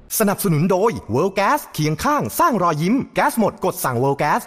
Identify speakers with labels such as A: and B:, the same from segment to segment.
A: สนับสนุนโดย World Gas เคียงข้างสร้างรอยยิ้มแก๊สหมดกดสั่ง World Gas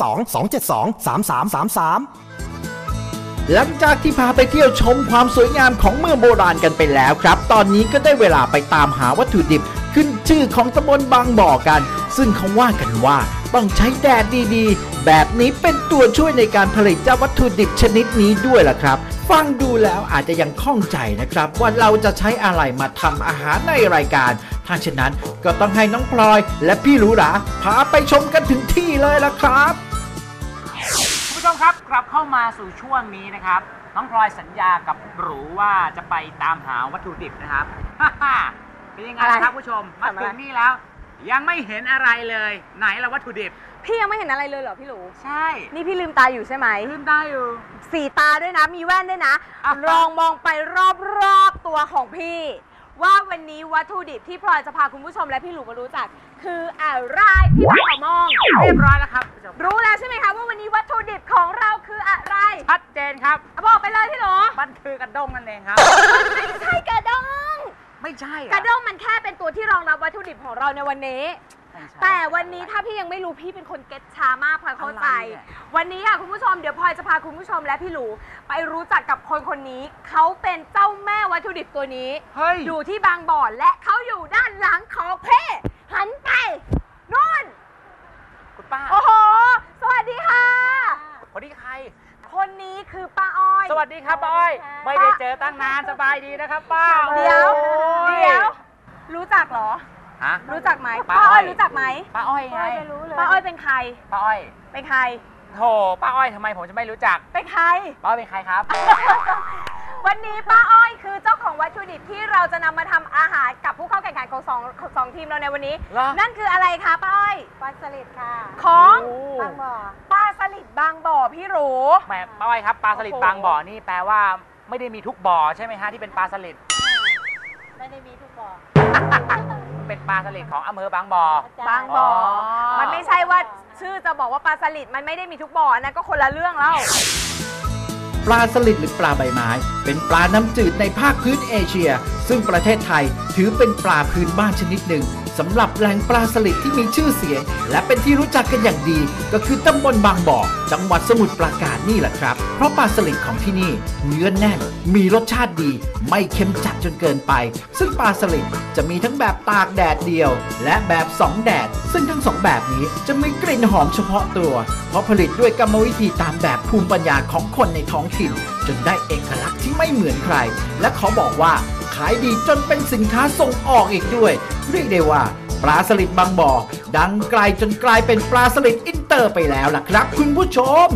A: 02-272-3333
B: หลังจากที่พาไปเที่ยวชมความสวยงามของเมืองโบราณกันไปแล้วครับตอนนี้ก็ได้เวลาไปตามหาวัตถุดิบขึ้นชื่อของตำบลบางบ่อกันซึ่งเขาว่ากันว่าต้องใช้แดดดีๆแบบนี้เป็นตัวช่วยในการผลิตเจ้าวัตถุดิบชนิดนี้ด้วยล่ะครับฟังดูแล้วอาจจะยังข้องใจนะครับว่าเราจะใช้อะไรมาทำอาหารในรายการถ้าเช่นนั้นก็ต้องให้น้องพลอยและพี่หรูหราพาไปชมกันถึงที่เลยล่ะครับ
C: คุณผู้ชมครับกลับเข้ามาสู่ช่วงนี้นะครับน้องพลอยสัญญากับหรูว่าจะไปตามหาวัตถุดิบนะครับเป็นยังไงครับผู้ชมมาถึงนี่แล้วยังไม่เห็นอะไรเลยไหนละวัตถุดิบ
D: พี่ยังไม่เห็นอะไรเลยเหรอพี่หรู
C: ใช่
D: นี่พี่ลืมตาอยู่ใช่ไหม
C: ลืมตาอยู่
D: 4 ตาด้วยนะมีแว่นด้วยนะลองมองไปรอบๆตัวของพี่ว่าวันนี้วัตถุดิบที่พลอยจะพาคุณผู้ชมและพี่หรูมารู้จักคืออะไรพี่ขอมอง
C: เรียบร้อยแล้วครับ
D: รู้แล้วใช่ไหมคะว่าวันนี้วัตถุดิบของเราคืออะไร
C: ชัดเจนครับ
D: บอกไปเลยพี่หรู
C: มันคือกระด้งนั่นเองครับ
D: ไม่ใช่กระด้ง
C: ไม่ใช่
D: กระด้งมันแค่เป็นตัวที่รองรับวัตถุดิบของเราในวันนี้แต่วันนี้ถ้าพี่ยังไม่รู้พี่เป็นคนเก็ตช้ามากพลอยเข้าใจวันนี้ค่ะคุณผู้ชมเดี๋ยวพลอยจะพาคุณผู้ชมและพี่หลูไปรู้จักกับคนนี้เขาเป็นเจ้าแม่วัตถุดิบตัวนี้อยู่ที่บางบ่อและเขาอยู่ด้านหลังของเพ่หันไปนู่น
C: คุณป้า
D: โอ้โหสวัสดีค่ะ
C: คนนี้ใคร
D: คนนี้คือป้าอ้อย
C: สวัสดีครับป้าอ้อยไม่ได้เจอตั้งนานสบายดีนะครับป้า
D: เดี๋ยวรู้จักเหรอรู้จักไหมป้าอ้อยรู้จักไหม
C: ป้าอ้อยไง
D: ป้าอ้อยเป็นใคร
C: ป้าอ้อย
D: เป็นใคร
C: โธ่ป้าอ้อยทำไมผมจะไม่รู้จัก
D: เป็นใคร
C: ป้าอ้อยเป็นใครครับ
D: วันนี้ป้าอ้อยคือเจ้าของวัตถุดิบที่เราจะนำมาทำอาหารกับผู้เข้าแข่งขันของสองทีมเราในวันนี้นั่นคืออะไรคะป้าอ้อย
E: ปลาสลิดค่ะ
D: ของบางบ่อปลาสลิดบางบ่อพี่หรู
C: แหมป้าอ้อยครับปลาสลิดบางบ่อนี่แปลว่าไม่ได้มีทุกบ่อใช่ไหมฮะที่เป็นปลาสลิด
E: ไม่ได้มีทุกบ่อ
C: เป็นปลาสลิดของอำเภอบางบ่อบ
D: างบ่อมันไม่ใช่ว่าชื่อจะบอกว่าปลาสลิดมันไม่ได้มีทุกบ่อนะก็คนละเรื่องแล้ว
B: ปลาสลิดหรือปลาใบไม้เป็นปลาน้ำจืดในภาคพื้นเอเชียซึ่งประเทศไทยถือเป็นปลาพื้นบ้านชนิดหนึ่งสำหรับแหล่งปลาสลิดที่มีชื่อเสียงและเป็นที่รู้จักกันอย่างดีก็คือตำบลบางบ่อจังหวัดสมุทรปราการนี่แหละครับเพราะปลาสลิดของที่นี่เนื้อแน่นมีรสชาติดีไม่เค็มจัดจนเกินไปซึ่งปลาสลิดจะมีทั้งแบบตากแดดเดียวและแบบ2 แดดซึ่งทั้ง2แบบนี้จะมีกลิ่นหอมเฉพาะตัวเพราะผลิตด้วยกรรมวิธีตามแบบภูมิปัญญาของคนในท้องถิ่นจนได้เอกลักษณ์ที่ไม่เหมือนใครและขอบอกว่าขายดีจนเป็นสินค้าส่งออกอีกด้วยเรียกได้ว่าปลาสลิดบางบ่อดังไกลจนกลายเป็นปลาสลิดอินเตอร์ไปแล้วล่ะครับคุณผู้ชม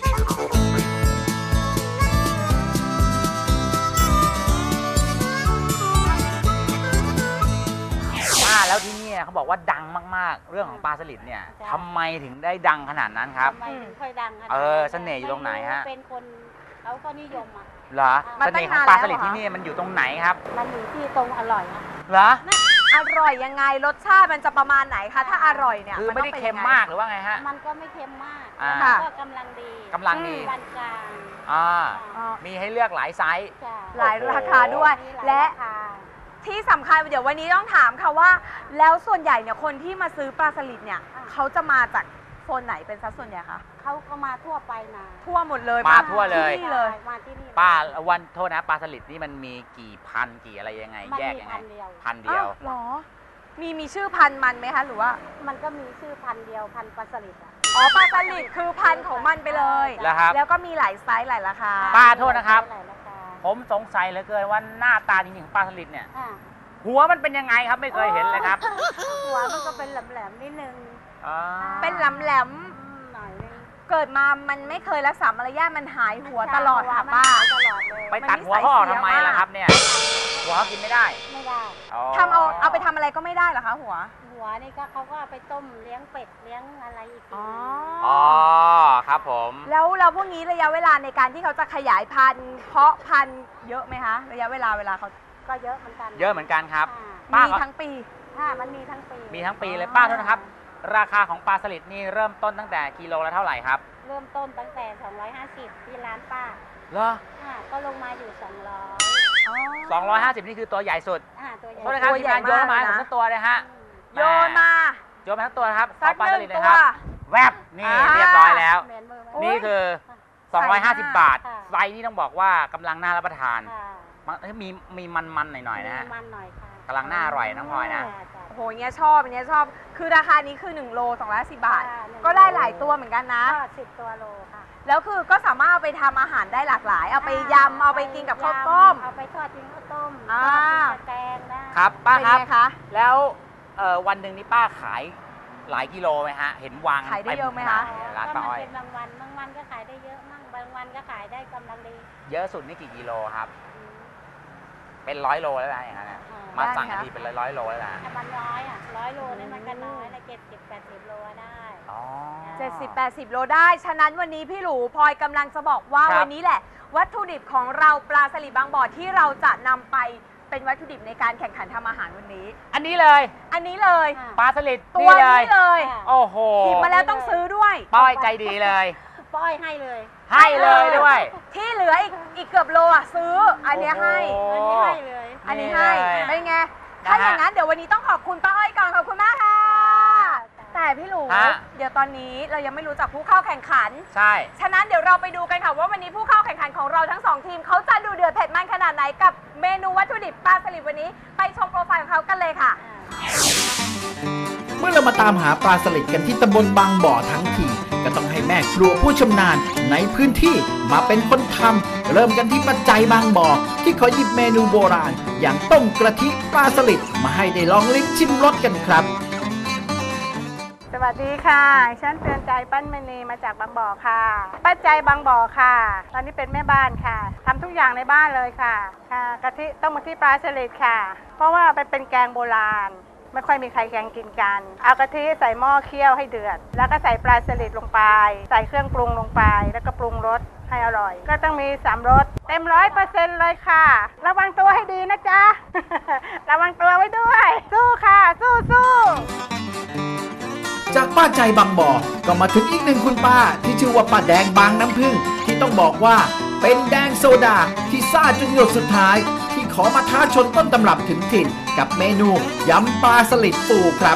C: แล้วที่นี่เขาบอกว่าดังมากๆเรื่องของปลาสลิดเนี่ยทำไมถึงได้ดังขนาดนั้นครับ
E: ทำไมถึงค่อยดังขนาด
C: เสน่ห์อยู่ตรงไหนฮะ
E: เป็นคนเขาก็นิยมอ่ะ
C: เหรอเสน่ห์ของปลาสลิดที่นี่มันอยู่ตรงไหนครับ
E: มันอยู่ที่ตรงอร่อย
C: เหรอ
D: อร่อยยังไงรสชาติมันจะประมาณไหนคะถ้าอร่อยเนี่ย
C: คือไม่ได้เค็มมากหรือว่าไงฮะ
E: มันก็ไม่เค็มมากก็กำลังดี
C: ปานกลางมีให้เลือกหลายไซส์
D: หลายราคาด้วยและที่สำคัญเดี๋ยววันนี้ต้องถามค่ะว่าแล้วส่วนใหญ่เนี่ยคนที่มาซื้อปลาสลิดเนี่ยเขาจะมาจากโซนไหนเป็นสัดส่วนใหญ่คะ
E: เขาก็มาทั่วไปนะ
D: ทั่วหมดเลย
C: มาทั่วเลย
E: มาที่นี่
C: ป้าวันโทษนะปลาสลิดนี่มันมีกี่พันกี่อะไรยังไงแยกยังไงพันเดียว
D: หรอมีชื่อพันมันไหมคะหรือว่า
E: มันก็มีชื่อพันเดียวพันปลาสลิด
D: ปลาสลิดคือพันของมันไปเลยแล้วก็มีหลายไซส์หลายราคา
C: ป้าโทษนะครับผมสงสัยเหลือเกินว่าหน้าตาจริงๆของปลาสลิดเนี่ยหัวมันเป็นยังไงครับไม่เคยเห็นเลยครับ
E: หัวมันก็เป็นแหลมๆนิดนึง
D: เป็นแหลมหน่อยนึงเกิดมามันไม่เคยรักษามารยาทมันหายหัวตลอดค่ะป้า
C: ไปตัดหัวเขาออกทำไมล่ะครับเนี่ยหัวเขากินไม่ได้
D: ทำเอาไปทำอะไรก็ไม่ได้เหรอคะหัว
E: นี่ก็เขาก็เอาไปต้มเลี้ยงเป็ดเลี้ยงอะไรอีก
C: อ๋อครับผม
D: แล้วพวกนี้ระยะเวลาในการที่เขาจะขยายพันธุ์เพาะพันธุ์เยอะไหมคะระยะเวลาเขา
E: ก็เยอะเหมือนกัน
C: เยอะเหมือนกันครับ
D: มีทั้งปี
E: มันมีทั้งปี
C: เลยป้าโทษนะครับราคาของปลาสลิดนี่เริ่มต้นตั้งแต่กิโลละเท่าไหร่ครับ
E: เริ่มต้นตั้งแต่250ที่ร้านป้า
C: เหรอ
E: ก็ลงมาอยู่200
C: 250นี่คือตัวใหญ่สุดตัวใหญ่โทษนะครับทีมงานโยนมาให้ผมสักตัวเลยฮะ
D: โยนมา
C: โยนมาทั้งตัวนะครับ
D: สัก
C: ปลา
D: ห
C: ส
D: นึ่ง
C: ลิดเล
D: ตั
C: ยว ครับแวบนี่เรียบร้อยแล้ว
E: เหมือนมือไหม
C: นี่คือ
D: ใส่มา
C: 250 บาท
E: ค่ะ
C: ไซส์นี่ต้องบอกว่ากำลังน่ารับประทาน
E: ค่ะ
C: มีมันๆหน่อยๆนะฮะ
E: มันหน่อยค่ะ
C: กำลังน่าอร่อยน้องพลอยนะ
E: จ้ะ
D: โอ้โหอย่างเงี้ยชอบอย่างเงี้ยชอบ คือราคานี้คือ1โล210 บาท
E: ค่ะ1
D: ก็ได้หลายตัวเหมือนกันนะ
E: ก็10 ตัวโลค่ะ
D: แล้วคือก็สามารถเอาไปทำอาหารได้หลากหลาย เอาไปยำ เอาไปกินกับข้าวต้ม
E: เอาไปทอดกินข้าวต้ม
D: อ่า
E: ทอดกินกับแกงได้
C: ครับป้า
D: เป็น
C: ครับ
D: ไงคะ
C: แล้ววันหนึ่งนี่ป้าขายหลายกิโลไหมฮะ เห็นวาง
D: ขายได้เยอะไหมคะ
C: ต็ขนาดร้านป้าอ้อย
E: ก็มันเป็นบางวันก็ขายได้เยอะมั่งบางวันก็ขายได้กำลังดี
C: เยอะสุดนี่กี่กิโลครับ
E: อืม
C: เป็น100 โลแล้วนะอย่างนั้นน่ะ
E: อ่าม
C: มาสั่ง
D: ได้
C: กัน
D: ไหมคะ
C: ทีเป็นร้อยๆโลแล้วนะ
E: ถ้ามันน้อย100 โลนี่มันก็น้อยละ70-80 โลได้
C: อ๋อ
D: 70-80 โลได้ ฉะนั้นวันนี้พี่หลูพลอยกำลังจะบอกว่า
C: ครับ
D: วันนี้แหละ วัตถุดิบของเราปลาสลิดบางบ่อที่เราจะนำไปเป็นวัตถุดิบในการแข่งขันทำอาหารวันนี้
C: อันนี้เลย
D: อันนี้เลย
E: ค่ะ
C: ปลาสลิด
D: ตัว
C: นี่เลย
D: นี้เลย
E: ค่ะ
C: โอ้โห
D: หยิบมาแล้วต้องซื้อด้วย
C: ป้อยใจดีเลย
E: ป้อยให้เลย
C: ให้เลยด้วย
D: ที่เหลืออีกเกือบโลอ่ะซื้อ อันเนี้ยให้
C: โอ้
E: อันนี้ให้เลย
D: อันนี้ให้
C: นี่เลย
D: เป็นไง
C: นะฮะ
D: ถ้าอย่างนั้นเดี๋ยววันนี้ต้องขอบคุณป้าอ้อยก่อนขอบคุณมากค่ะ แต่พี่หลู
C: ฮะ
D: เดี๋ยวตอนนี้เรายังไม่รู้จักผู้เข้าแข่งขัน
C: ใช่
D: ฉะนั้นเดี๋ยวเราไปดูกันค่ะว่าวันนี้ผู้เข้าแข่งขันของเราทั้งสองทีมเขาจะดูเดือดเผ็ดมันขนาดไหนกับเมนูวัตถุดิบปลาสลิดวันนี้ ไปชมโปรไฟล์ของเขากันเลยค่ะ
B: เมื่อเรามาตามหาปลาสลิดกันที่ตำบลบางบ่อทั้งทีก็ต้องให้แม่ครัวผู้ชำนาญในพื้นที่มาเป็นคนทำเริ่มกันที่ปัจจัยบางบ่อที่ขอหยิบเมนูโบราณ อย่างต้มกระทิปลาสลิดมาให้ได้ลองลิ้มชิมรสกันครับ
F: สวัสดีค่ะฉันเตือนใจปั้นมณีมาจากบางบ่อค่ะป้าใจบางบ่อค่ะ ตอนนี้เป็นแม่บ้านค่ะทำทุกอย่างในบ้านเลยค่ะกะทิต้มกะทิปลาสลิดค่ะ เพราะว่าเป็นแกงโบราณ ไม่ค่อยมีใครแกงกินกัน เอากะทิใส่หม้อเคี่ยวให้เดือด แล้วก็ใส่ปลาสลิดลงไป ใส่เครื่องปรุงลงไป แล้วก็ปรุงรสให้อร่อย ก็ต้องมี3รสเต็ม100%เลยค่ะ ระวังตัวให้ดีนะจ๊ะ ระวังตัวไว้ด้วย สู้ค่ะ สู้
B: จากป้าใจบางบ่อก็มาถึงอีกหนึ่งคุณป้าที่ชื่อว่าป้าแดงบางน้ำพึ่งที่ต้องบอกว่าเป็นแดงโซดาที่ซ่าจนหยดสุดท้าย ที่ขอมาท้าชนต้นตำรับถึงถิ่น กับเมนูยำปลาสลิดปูครับ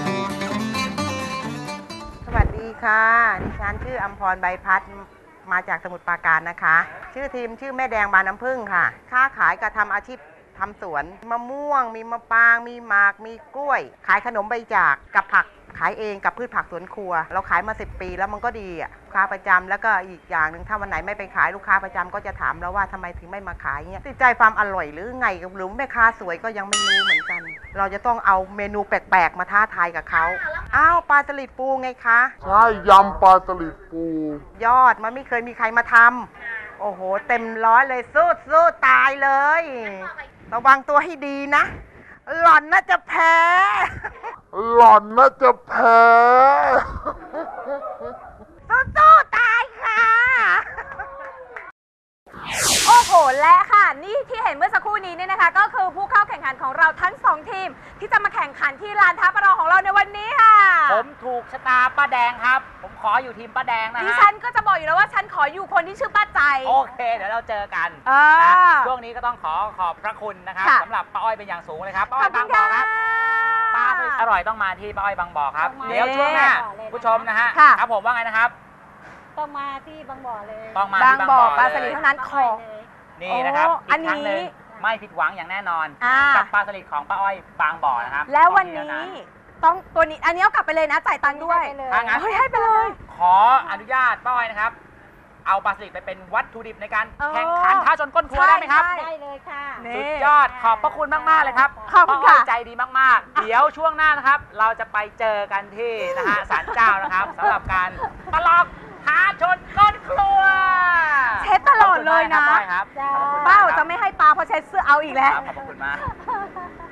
G: สวัสดีค่ะดิฉันชื่ออำพรใบพัดมาจากสมุทรปราการนะคะ ชื่อทีมชื่อแม่แดงบานน้ำผึ้งค่ะค้าขายกับทำอาชีพทำสวนมะม่วง มีมะปราง มีหมาก มีกล้วย ขายขนมใบจากกับผักขายเองกับพืชผักสวนครัว เราขายมา10 ปีแล้วมันก็ดีอ่ะลูกค้าประจำแล้วก็อีกอย่างหนึ่งถ้าวันไหนไม่ไปขายลูกค้าประจำก็จะถามเราว่าทำไมถึงไม่มาขายเงี้ยติดใจความอร่อยหรือไงหรือแม่ค้าสวยก็ยังไม่รู้เหมือนกัน เราจะต้องเอาเมนูแปลกๆมาท้าทายกับเขาอ้าวปลาสลิดปูไงคะ
H: ใช่ยำปลาสลิดปู
G: ยอดมันไม่เคยมีใครมาทำโอ้โห เต็มร้อยเลยสู้ตายเลย ระวังตัวให้ดีนะ หล่อนน่าจะแพ้
H: หล่อนน่าจะแพ้
G: สู้ตายค่ะ
D: โอ้โห และค่ะ นี่ที่เห็นเมื่อสักครู่นี้เนี่ยนะคะ ก็คือผู้เข้าแข่งขันของเราทั้ง2ทีม ที่จะมาแข่งขันที่ลานท้าประลองของเราในวันนี้ค่ะ
C: ผมถูกชะตาป้าแดงครับ ผมขออยู่ทีมป้าแดงนะ
D: ดิ
C: ฮะ
D: ฉันก็จะบอกอยู่แล้วว่าฉันขออยู่คนที่ชื่อป้าใจ
C: โอเค เดี๋ยวเราเจอกัน
D: อ่า
C: นะช่วงนี้ก็ต้องขอบพระคุณนะครับ
D: ค่ะ
C: สำหรับป้าอ้อยเป็นอย่างสูงเลยครับป้า
D: ข
C: อ้
D: อ
C: อบ ย
D: คุ
C: บา
D: ณ
C: งบ่อ
D: ค่ะ
C: ครับปลาสลิดอร่อยต้องมาที่ป้าอ้อยบางบ่อครับ
E: ต้องมา
C: เดี๋ยวช่วงหน้า
E: เลย
C: ผู้ชมนะฮะ
D: ค่ะ
C: ครับผมว่าไงนะครับ
E: ต้องมาที่บางบ่อเลย
C: ต้องมา
D: บาง
C: ที่
D: บ่อปลา
C: เลย
D: สลิดเท่านั้นขอ
E: เลย
C: นี่นะครับ
D: โอ้
C: อีกครั้งหนึ่ง
D: อันนี้
C: ไม่ผิดหวังอย่างแน่นอน
D: อ่า
C: กับปลาสลิดของป้าอ้อยบางบ่อนะครับ
D: แล้ววัน
C: ต้อง
D: นี้
C: มีเท่า
D: ต้องตัวนี้อันนี้เอากลับไปเลยนะจ่ายตังค์ด้วย
E: ให้ไปเลย
C: ถ้างั้น
D: เฮ้ยให้ไปเลย
C: ขออนุญาตป้าอ้อยนะครับ เอาปลาสลิดไปเป็นวัตถุดิบในการ
D: เออ
C: แข่งขันท้าชนก้นครัวได้ไหมครับ
D: ใช่
E: ได้เลยค่ะ
D: นี่
C: สุดยอดขอบพระคุณมากๆเลยครับ
D: ขอบคุณ
C: ป้าอ้อย
D: ค่ะ
C: ใจดีมากๆ เดี๋ยวช่วงหน้านะครับ เราจะไปเจอกันที่นะฮะศาลเจ้านะครับสำหรับการประลองท้าชนก้นครัว
D: เช็ดตลอดเลยนะ
C: ขอบคุณมากครับป้าอ้อยครับ
E: จ้า
C: ขอบคุณมก
D: เป้า
C: ครับ
D: จะไม่ให้ปลาเพราะเช็ดเสื้อเอาอีกแล้ว
C: ครับขอบคุณมาก